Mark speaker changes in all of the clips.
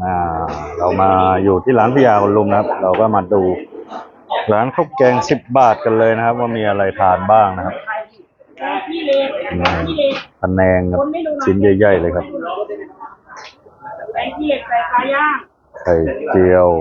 Speaker 1: อ่าเรามาอยู่ที่ร้านพิยาคนลุมนะครับเราก็มาดูร้านข้าวแกง10 บาทกันเลยนะครับว่ามีอะไรทานบ้างนะครับพะแนงครับชิ้นใหญ่ๆเลยครับไข่เจียว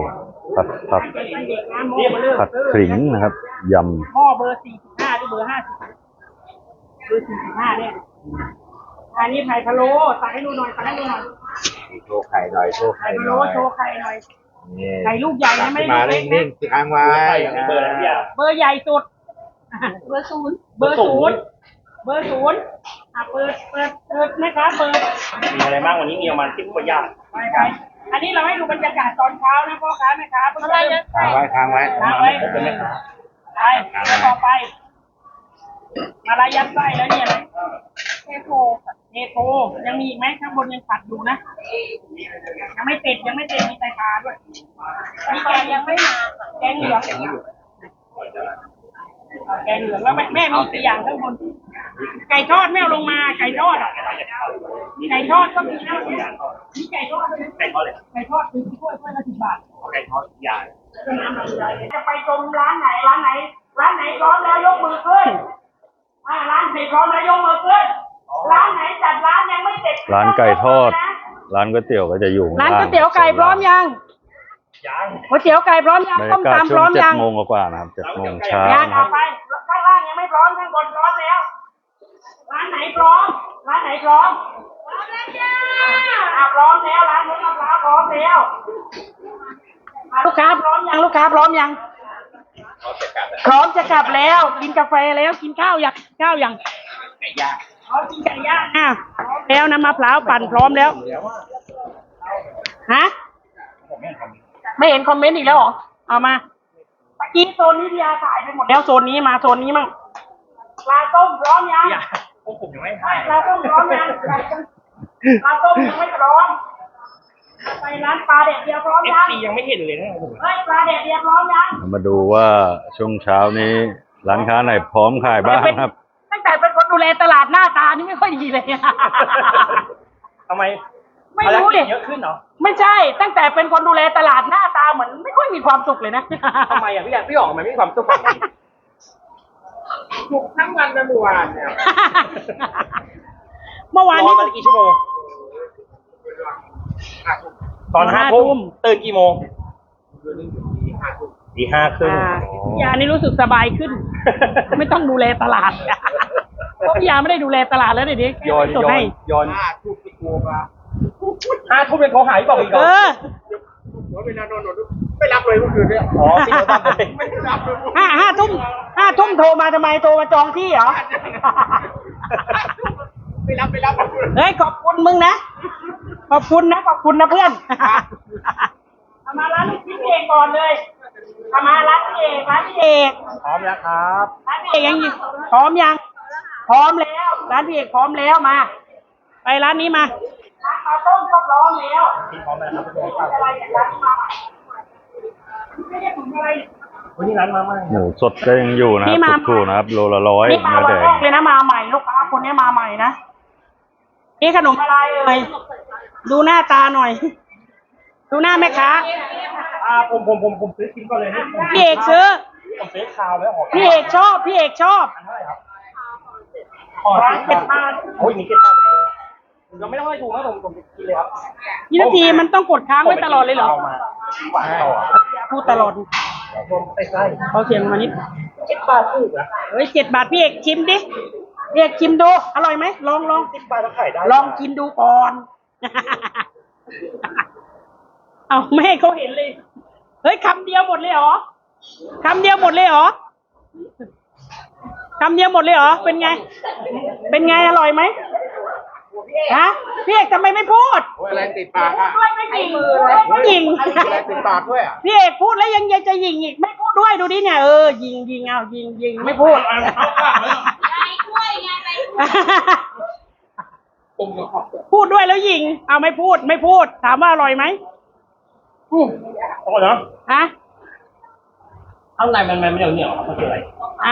Speaker 1: ผัดขิงนะครับยำ
Speaker 2: หม้อเบอร์45หรือเบอร์50เบอร์45เนี่ยอันนี้ไข่พะโล้ตักให้ดูหน่อยตักให้ดูหน่อย
Speaker 3: โชว์ไข่หน่อยโชว์ไข่
Speaker 2: ไข่พะ
Speaker 3: หน่
Speaker 2: โล้
Speaker 3: อย
Speaker 2: โชว์ไข่หน่อยไข่ลูกใหญ่นะไม่ได้
Speaker 3: มา
Speaker 2: เล็ก
Speaker 3: นิ่
Speaker 2: นะ
Speaker 3: งๆค้างไว้
Speaker 2: เบอร์ใหญ่สุดเบอร์ศูนย์เบอร์ศูนย์เบอร์ศูนย์เปิดนะคะเปิด
Speaker 4: มีอะไรบ้างวันนี้มีประมาณ10 กว่าอย่าง
Speaker 2: ไปอันนี้เราให้ดูบรรยากาศตอนเช้านะพ่อค้าแม่ค้าอะไรเนี่ย
Speaker 3: ค้างไว้
Speaker 2: ไปต่อไปมาลายัดไส้แล้วนี่อะไรเทโพยังมีอีกไหมข้างบนยังผัดอยู่นะยังไม่ติดมีไตปลาด้วยมีแกงยังไม่มาแกงเหลืองแล้วแม่มี4 อย่างข้างบนไก่ทอดไม่เอาลงมาไก่ทอดก็มีนะมีไก่ทอดเลยไก่ทอดคือถ้วยละ10 บาท
Speaker 4: ไก่ทอดใหญ่
Speaker 2: จะไปชมร้านไหนพร้อมแล้วยกมือขึ้นร้านไหนพร้อมแล้วยกมือขึ้นร้านไหนจัดร้านยังไม่เสร็จ
Speaker 1: ร้านไก่ทอดร้านก๋วยเตี๋ยวก็จะอยู่
Speaker 2: ร้านก๋วยเตี๋ยวไก่พร้อมยังก๋วยเตี๋ยวไก่พร้อมยังต้มตำพร้อมยัง
Speaker 1: 7 โมงกว่านะครับ7 โมงเช้า
Speaker 2: นะครับไปข้างล่างยังไม่พร้อมข้างบนพร้อมแล้วร้านไหนพร้อมแล้วจ้าพร้อมแล้วร้านนู้นพร้อมแล้วลูกค้าพร้อมยังพร้อมจะกลับแล้วกินกาแฟแล้วกินข้าวยัง
Speaker 4: ไก่ย่าง
Speaker 2: กินไก่ย่างพร้อมแล้วนะมะพร้าวปั่นพร้อมแล้วฮะไม่เห็นคอมเมนต์อีกแล้วเหรอเอามาเมื่อกี้โซนนี้พี่ยาถ่ายไปหมดแล้วโซนนี้มาโซนนี้มั่งปลาต้มพร้อมยัง
Speaker 4: พวกผมยังไม่ถ่าย
Speaker 2: ปลาต้มพร้อมยังปลาต้มยังไม่พร้อมไปร้านปลาแดดเดียวพร้อมยัง
Speaker 4: ยังไม่เห็นเลยนะ
Speaker 2: ปลาแดดเดียวพร้อมยัง
Speaker 1: มาดูว่าช่วงเช้านี้ร้านค้าไหนพร้อมขายบ้างครับ
Speaker 2: ตั้งแต่เป็นคนดูแลตลาดหน้าตานี่ไม่ค่อยดีเลย
Speaker 4: ทำไม
Speaker 2: ไม่รู้ดิ
Speaker 4: เยอะขึ้นเหรอ
Speaker 2: ไม่ใช่ตั้งแต่เป็นคนดูแลตลาดหน้าตาเหมือนไม่ค่อยมีความสุขเลยนะ
Speaker 4: ทำไมพี่ออกมันไม่มีความสุข
Speaker 2: สุขทั้งวันและเมื่อวานเมื่อวานนี้
Speaker 4: กี่ชั่วโมงตอน5 ทุ่มตื่นกี่โมงตี 5 ครึ่ง
Speaker 2: ยานี่รู้สึกสบายขึ้นไม่ต้องดูแลตลาดเพราะยาไม่ได้ดูแลตลาดแล้วเดี๋ยวนี้
Speaker 4: ย้อน5 ทุ่มไปโกง5 ทุ่มเป็นเขาหายบอกอีก
Speaker 3: เวลานอนไม่รับเลยเมื่อคืนเนี่ย
Speaker 4: พี่เขาทำเลย
Speaker 2: ไม่รับ5 ทุ่มโทรมาทำไมโทรมาจองที่เหรอ
Speaker 3: ไม่รับ
Speaker 2: เฮ้ยขอบคุณมึงนะขอบคุณนะเพื่อนมาร้านพี่เอกก่อนเลยมาร้านพี่เอก
Speaker 4: พร้อมแล้วครับ
Speaker 2: ร้านพี่เอกยังพร้อมยังพร้อมแล้วร้านพี่เอกพร้อมแล้วมาไปร้านนี้มาร้านข้าวต้มก็พร้อมแล้ว
Speaker 4: พี่พร้อมแล้วครับ
Speaker 2: อะไรร้านนี้มาไม่ได้ถุงอะไร
Speaker 4: วันนี้ร้านมาใหม่
Speaker 1: หมูสดก็ยังอยู่นะครับถูกๆนะครับโลละ100
Speaker 2: นี่มาวันแรกเลยนะมาใหม่ลูกค้าคนนี้มาใหม่นะนี่ขนมอะไรเลยดูหน้าตาหน่อยดูหน้าแม่ค้า
Speaker 4: ผมซื้อกินก่อนเลยนะ
Speaker 2: พี่เอกซื้อ
Speaker 4: ผมซื้อข้าวแล้ว
Speaker 2: พี่เอกชอบ
Speaker 4: เท่าไหร่ครับ
Speaker 2: 7 บาท
Speaker 4: โอ้ยมี7 บาทเลยเราไม่ต้องให้ถูกนะผมกินเลยครับ
Speaker 2: ยี่นาทีมันต้องกดค้างไว้ตลอดเลยเหรอพูดตลอดเขาเสียงมานิด
Speaker 4: 7 บาทถูกนะ
Speaker 2: เฮ้ย7 บาทพี่เอกชิมดิพี่เอกชิมดูอร่อยไหมลอง
Speaker 4: 10 บาทแล้วขายได้
Speaker 2: ลองกินดูก่อนเอาไม่ให้เขาเห็นเลยเฮ้ยคำเดียวหมดเลยเหรอเป็นไงอร่อยไหมฮะพี่เอกทำไมไม่พูด
Speaker 3: อะไรติดปากอ่ะ
Speaker 2: ไม่ยิง
Speaker 3: ติดปากด้วยอ่ะ
Speaker 2: พี่เอกพูดแล้วยังจะยิงอีกไม่พูดด้วยดูดิเนี่ยยิงเอายิงไม่พูดพูดด้วยแล้วยิงเอาไม่พูดถามว่าอร่อยไหม
Speaker 4: อร่อยนะ
Speaker 2: ฮะ
Speaker 4: ข้างในมันไม่เหนียวมันคืออะไร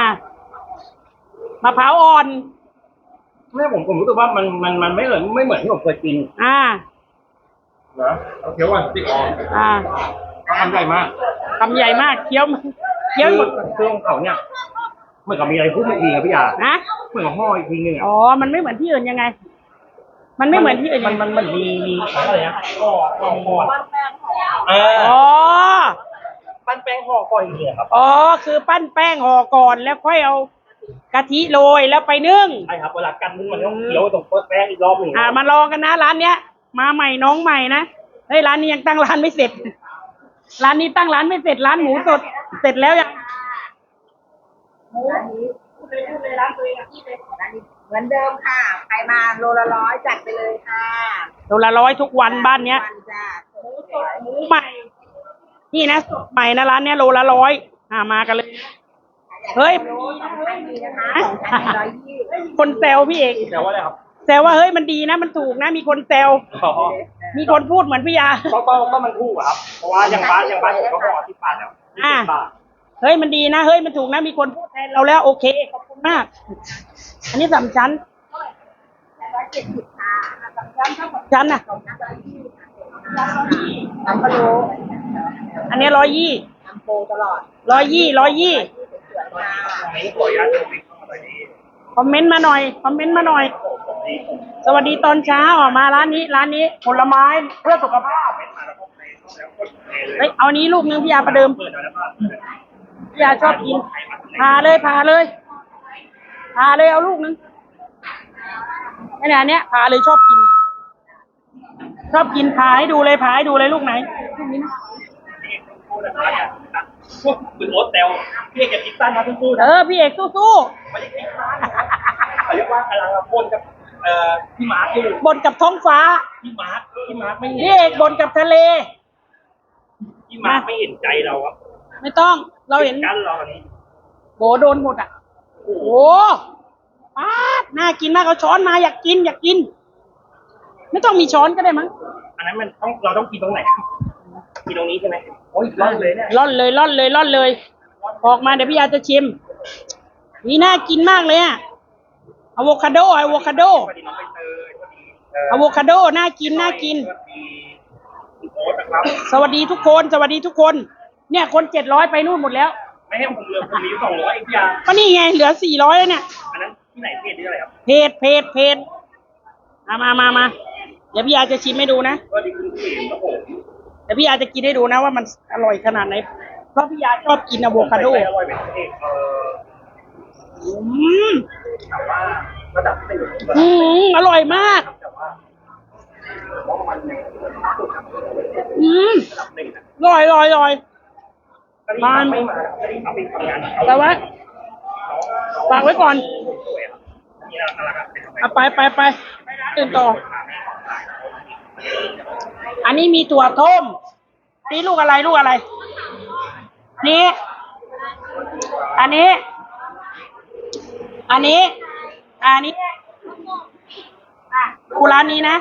Speaker 2: มะพร้าวอ่อน
Speaker 4: ไม่ผมรู้สึกว่ามันไม่เหมือนที่ผมเคยกินนะเอาเคี้ยวก่อนติดออก ทำใหญ่มาก
Speaker 2: คำใหญ่มากเคี้ยวหมด
Speaker 4: เครื่องของเขาเนี่ยเหมือนกับมีอะไรพุ่งอีกทีครับพี่ยา
Speaker 2: นะ
Speaker 4: เหมือนกับห่ออีกทีนึงอ่ะ
Speaker 2: อ๋อมันไม่เหมือนที่อื่นยังไง มันไม่เหมือนที่อื่น
Speaker 4: มันมีอะไรนะห่อเออ
Speaker 2: อ๋อ
Speaker 4: ปั้นแป้งห่อก่อนอีกทีครับ
Speaker 2: อ๋อคือปั้นแป้งห่อก่อนแล้วค่อยเอากะทิโรยแล้วไปนึ่ง
Speaker 4: ใช่ครับเวลากันนึงมันต้องเคี้ยวตรงแป้งอีกรอบหนึ่ง
Speaker 2: มาลองกันนะร้านเนี้ย มาใหม่น้องใหม่นะเฮ้ยร้านนี้ยังตั้งร้านไม่เสร็จ ร้านนี้ตั้งร้านไม่เสร็จร้านหมูสดเสร็จแล้วยังหมูพูดเลยร้านตัวเองอะพี่เลย
Speaker 5: เหมือนเดิมค่ะ ใครมาโลละ100จัดไปเลยค่ะ
Speaker 2: โลละ100ทุกวันบ้านเนี้ย
Speaker 5: วันจ้า
Speaker 2: หมูใหม่ นี่นะสดใหม่นะร้านเนี้ยโลละ100มากันเลย เฮ้ย
Speaker 5: ดีนะคะของชั้น120
Speaker 2: คนแซวพี่เอก
Speaker 4: แต่ว่าอะไรครับ
Speaker 2: แซวว่าเฮ้ยมันดีนะมันถูกนะมีคนแซว
Speaker 4: อ๋อ
Speaker 2: มีคนพูดเหมือนพี่ยา
Speaker 4: ก็มันถูกอะครับเพราะว่าอย่างบ้านผมก็ห่อ10 บาทแล้ว20 บาท
Speaker 2: เฮ้ยมันดีนะเฮ้ยมันถูกนะมีคนพูดแทนเราแล้วโอเคขอบคุณมาก อันนี้3 ชั้น
Speaker 5: 170ค่ะ
Speaker 2: ชั้นน่ะ
Speaker 5: น้ำพะโล้
Speaker 2: อันนี้120
Speaker 5: น้ำโปตลอด
Speaker 2: 120
Speaker 5: สวยค่ะ
Speaker 4: ไม่ขออนุญาตติดเข้ามาดี
Speaker 2: คอมเมนต์มาหน่อยคอมเมนต์มาหน่อย สวัสดีตอนเช้ามาร้านนี้ผลไม้เพื่อสุขภาพเฮ้ยเอานี้ลูกนึงพี่ยาประเดิม
Speaker 4: เปิดแล้วก็
Speaker 2: พี่ยาชอบกินพาเลยเอาลูกนึงไอ้เนี่ยอันเนี้ยพาเลยชอบกินพาให้ดูเลยลูกไหนลูกนี้นะ
Speaker 4: คุณโอ๊ตเตลพี่เอกจะคิดสั้นมาสู้ๆนะ
Speaker 2: พี่เอกสู้
Speaker 4: ไม่ได้คิดสั้นเขาเรียกว่ากำลังบนกับพี่มาร์คอยู่
Speaker 2: ๆบนกับท้องฟ้า
Speaker 4: พี่มาร์คไม่เห็น
Speaker 2: พี่เอกบนกับทะเล
Speaker 4: พี่มาร์คไม่เห็นใจเราครับ
Speaker 2: ไม่ต้องเราเห็น
Speaker 4: กันเราอันนี้
Speaker 2: โบโดนหมดอ่ะโอ้โหป๊าดน่ากินมากเอาช้อนมาอยากกินไม่ต้องมีช้อนก็ได้มั้ง
Speaker 4: อันนั้นมันต้องเราต้องกินตรงไหนกินตรงนี้ใช่ไหมโอ้ยร้อนเลยเนี่ย
Speaker 2: ร่อนเลยออกมาเดี๋ยวพี่ยาจะชิมนี่น่ากินมากเลยอ่ะอะโวคาโด
Speaker 4: สวัสดีน้องใบเตยสวัสดี
Speaker 2: อะโวคาโดน่ากิน
Speaker 4: สวัสดีคุณโอ๊ตนะครับ
Speaker 2: สวัสดีทุกคนเนี่ยคน700ไปนู่นหมดแล้ว
Speaker 4: ไม่ให้ผมเลยผมมีอยู่200เองพี่ยา
Speaker 2: ก็นี่ไงเหลือ400แล้วเนี่ย
Speaker 4: อันนั้นที่ไหนเพจที่อะไรครับ
Speaker 2: เพจมาเดี๋ยวพี่ยาจะชิมให้ดูนะ
Speaker 4: สวัสดีคุณเขมครับผม
Speaker 2: เดี๋ยวพี่ยาจะกินให้ดูนะว่ามันอร่อยขนาดไหนเพราะพี่ยาชอบกินอะโวคาโด
Speaker 4: อร่อยเป็นเอกแต่ว่าระดับหนึ่ง
Speaker 2: อร่อยมาก
Speaker 4: แต่ว่ามัน
Speaker 2: อ
Speaker 4: ระดับหนึ่งนะ
Speaker 2: ร่อย
Speaker 4: ไม่มาเอาไปทำงาน
Speaker 2: แต่ว่าฝากไว้ก่อน
Speaker 4: มีอะไรกัน
Speaker 2: เอาไปตื่นต่อ อันนี้มีถั่วต้มนี่ลูกอะไรนี่อันนี้กูร้านนี้นะ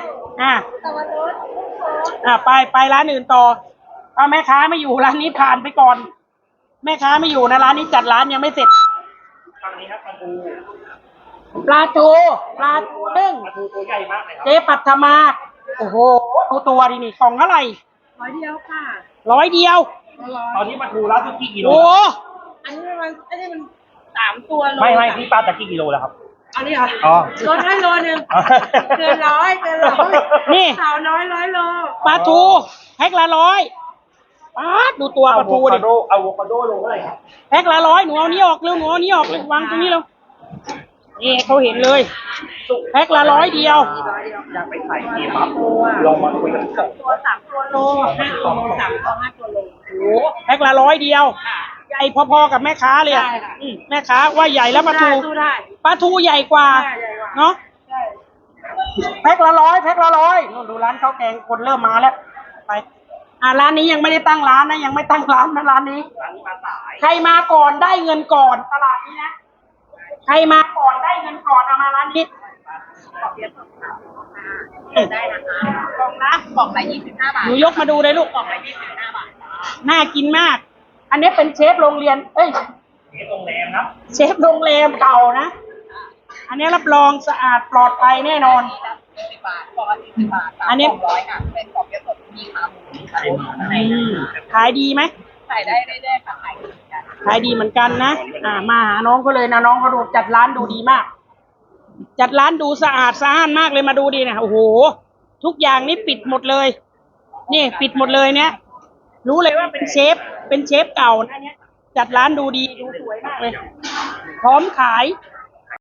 Speaker 2: ไปร้านอื่นต่อถ้าแม่ค้าไม่อยู่ร้านนี้ผ่านไปก่อน แม่ค้าไม่อยู่นะร้านนี้จัดร้านยังไม่เสร็จ
Speaker 4: ทางนี้ครับ
Speaker 2: ปลาทูนึ่ง
Speaker 4: ปลาทูตัวใหญ่มากเลยครับ
Speaker 2: เจ๊ปัทมาโอ้โหดูตัวดินี่กล่องเท่าไหร่
Speaker 5: 100เดียวค่ะ
Speaker 2: 100 เดียว
Speaker 4: ตอนนี้ปลาทูรับกี่กิโล
Speaker 2: โอ้
Speaker 5: อันนี้มัน3 ตัวโล
Speaker 4: ไม่พี่ปลาตะกี่กิโลแล้วครับ
Speaker 5: อันนี้เหรอ
Speaker 4: อ๋อ
Speaker 5: ลดให้โลนึงเกินร้อย
Speaker 2: นี่
Speaker 5: สาวน้อย100 โล
Speaker 2: ปลาทูแพ็คละ100ป๊าดดูตัวปลาทูดิ
Speaker 4: อะโวคาโดโลเท่าไหร่ครับ
Speaker 2: แพ็คละ100หนูเอานี้ออกเร็วหนูเอานี้ออกเลยวางตรงนี้เร็วนี่เขาเห็นเลยแพ็คละ100 เดียว
Speaker 4: อยากไปขายกี่ปั๊บลองมาคุยกันก่อน
Speaker 5: ตัว3 ตัวโล5 ตัวโล3 ตัว 5 ตัวโล
Speaker 2: โอ้แพ็คละ100 เดียวใหญ่พอๆกับแม่ค้าเลยอะ
Speaker 5: ใช่ค่ะ
Speaker 2: แม่ค้าว่าใหญ่แล้วปลาทู
Speaker 5: สู้ได้
Speaker 2: ปลาทูใหญ่กว่า
Speaker 5: ใหญ่กว่า
Speaker 2: เนาะ
Speaker 5: ใช่
Speaker 2: แพ็คละ100นู่นดูร้านข้าวแกงคนเริ่มมาแล้วไปร้านนี้ยังไม่ได้ตั้งร้านนะยังไม่ตั้งร้านนะร้านนี้
Speaker 4: ร้านนี้มาสาย
Speaker 2: ใครมาก่อนได้เงินก่อนตลาดนี้นะใครมาก่อนได้เงินก่อนเอามาร้านนี้
Speaker 5: ได้นะคะ
Speaker 2: กล่องนะ
Speaker 5: กล่องละ25 บาท
Speaker 2: หนูยกมาดูเลยลูก
Speaker 5: กล่องละ25 บาท
Speaker 2: น่ากินมาก อันนี้เป็นเชฟโรงเรียน
Speaker 4: นี่โรงแรมครับ
Speaker 2: เชฟโรงแรมเก่านะอันนี้รับรองสะอาดปลอดภัยแน่นอน
Speaker 5: 10 บาทกล่องละ40 บาท
Speaker 2: อันนี้
Speaker 5: 100ค่ะเป็นกล่องเยอะสดมีขาหมูมีขาหมูข้างใน
Speaker 2: ขายดีไหม
Speaker 5: ขายได้เรื่อยๆค่ะขายดีกัน
Speaker 2: ขายดีเหมือนกันนะมาหาน้องเขาเลยนะน้องเขาดูจัดร้านดูดีมาก จัดร้านดูสะอาดสะอ้านมากเลยมาดูดีนะโอ้โหทุกอย่างนี่ปิดหมดเลย นี่ปิดหมดเลยเนี่ยรู้เลยว่าเป็นเชฟเก่านะเนี่ยจัดร้านดูดีดูสวยมากเลย พร้อมขาย